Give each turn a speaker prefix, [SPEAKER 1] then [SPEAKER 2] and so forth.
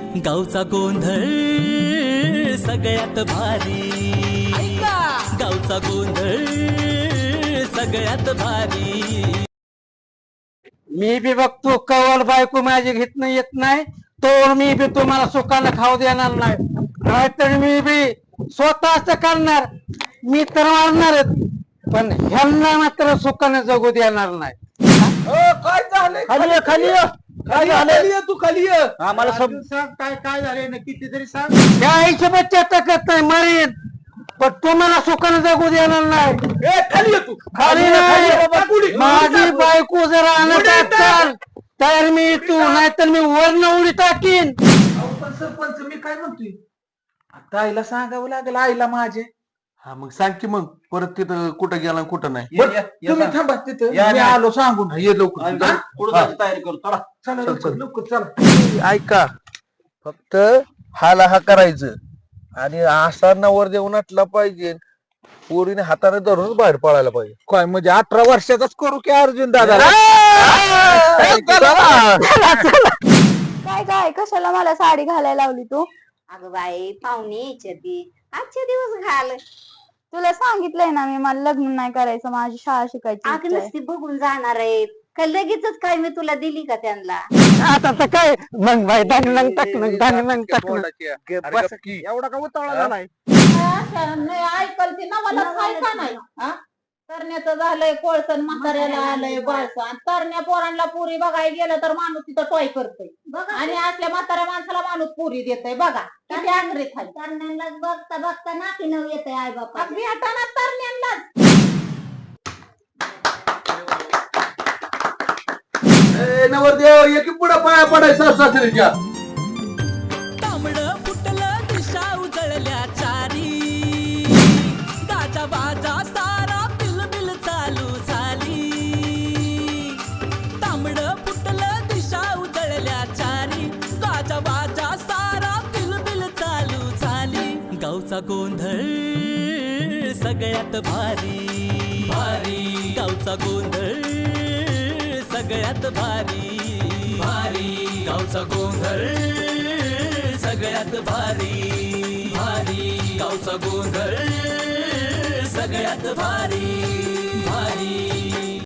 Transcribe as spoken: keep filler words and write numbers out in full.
[SPEAKER 1] गावचा गोंधळ सगळ्यात भारी, गावचा गोंधळ सगळ्यात भारी।
[SPEAKER 2] मी बी बघतो कवल बायको माझी घेतन येत नाही तर मी बी तुम्हाला सुखानं खाऊ देणार नाही, नाहीतर मी बी स्वतःच करणार। मी तर मारणारच पण ह्यांना मात्र सुखानं जगू देणार नाही।
[SPEAKER 3] काय झालंय?
[SPEAKER 2] खाली ये, खाली ये। काय
[SPEAKER 3] खाली
[SPEAKER 2] झालं?
[SPEAKER 3] खाली ये, तू खाली ये।
[SPEAKER 2] आम्हाला
[SPEAKER 3] तू
[SPEAKER 2] सब
[SPEAKER 3] सांग काय काय झालंय नक्की ते तरी सांग।
[SPEAKER 2] त्या हिशोबात चर्चा करत नाही मरीन, पण तुम्हाला सुखानं जगू देणार नाही।
[SPEAKER 3] ए खाली ये तू।
[SPEAKER 2] खाली
[SPEAKER 3] ये,
[SPEAKER 2] नाही
[SPEAKER 3] ये बाबा, उडी, उडी
[SPEAKER 2] माझी
[SPEAKER 3] टाक.
[SPEAKER 2] बायको जर आणत
[SPEAKER 3] उडी टाक.
[SPEAKER 2] असाल तर मी तू नाहीतर मी वरण उडी टाकीन।
[SPEAKER 3] अहो, पण सरपंच मी काय म्हणतोय, आता आईला सांगावं लागेल, आईला माझे।
[SPEAKER 4] हा मग सांग की मग परत तिथं कुठं गेला आणि कुठं नाही।
[SPEAKER 3] बरं, तुम्ही थांबा तिथं,
[SPEAKER 4] या,
[SPEAKER 3] मी
[SPEAKER 4] या.
[SPEAKER 3] आलो सांगून।
[SPEAKER 4] ये लवकर
[SPEAKER 3] हा?
[SPEAKER 4] पुढं जायची तयारी करू चला।
[SPEAKER 3] चला
[SPEAKER 4] चल,
[SPEAKER 3] लवकर
[SPEAKER 4] चल.
[SPEAKER 3] लवकर चला।
[SPEAKER 5] ऐका, फक्त हाला हा करायचं आणि असा नवर देऊन आटला पाहिजे, पोरीने हाताने धरूनच बाहेर पळायला पाहिजे।
[SPEAKER 3] काय म्हणजे अठरा वर्षाचाच करू की अर्जुन दादा?
[SPEAKER 6] काय काय कशाला मला साडी घालायला लावली तू?
[SPEAKER 7] अगं बाई पाहुणे यायच्या ती आजचे दिवस घाल।
[SPEAKER 6] तुला सांगितलंय ना मी, मला लग्न नाही करायचं, माझी शाळा शिकायची
[SPEAKER 7] अगं
[SPEAKER 6] इच्छा आहे.
[SPEAKER 7] नसती बघून जाणार आहेत का लगेचच काय मी तुला दिली का त्यांना?
[SPEAKER 2] आता तर काय मग बाई टाकणं टाकणं टाकणं टाकणं
[SPEAKER 5] बस की.
[SPEAKER 3] एवढा का उतावळा झालाय?
[SPEAKER 8] नाही ऐकल ती ना मला ऐका नाही हा तरण्याचं झालंय कोळसन, म्हाताऱ्याला आलंय बळसं, आणि तरण्या पोरांना पुरी बघायला गेलं तर माणूस तिथं टॉय करतोय आणि असल्या म्हाताऱ्या माणसाला माणूस पुरी देतोय। बघा किती आंगरीत आहे
[SPEAKER 7] तरण्यांना बघता बघता नाकी नऊ येते आई बापा।
[SPEAKER 8] अगदी हटाना तरण्यांनाच।
[SPEAKER 4] ए नवरदेव ये की पुढं पाया पडायचं सासरीच्या।
[SPEAKER 1] तांबडं फुटलं दिशा उजळल्या चारी, गाजा बाजा सारा बिलबिल चालू झाली। तांबडं फुटलं दिशा उजळल्या चारी, गाजा बाजा सारा बिलबिल चालू झाली। गावचा गोंधळ सगळ्यात भारी, भारी गावचा गोंधळ सगळ्यात भारी, भारी गावचा गोंधळ सगळ्यात भारी, भारी गावचा गोंधळ सगळ्यात भारी, भारी।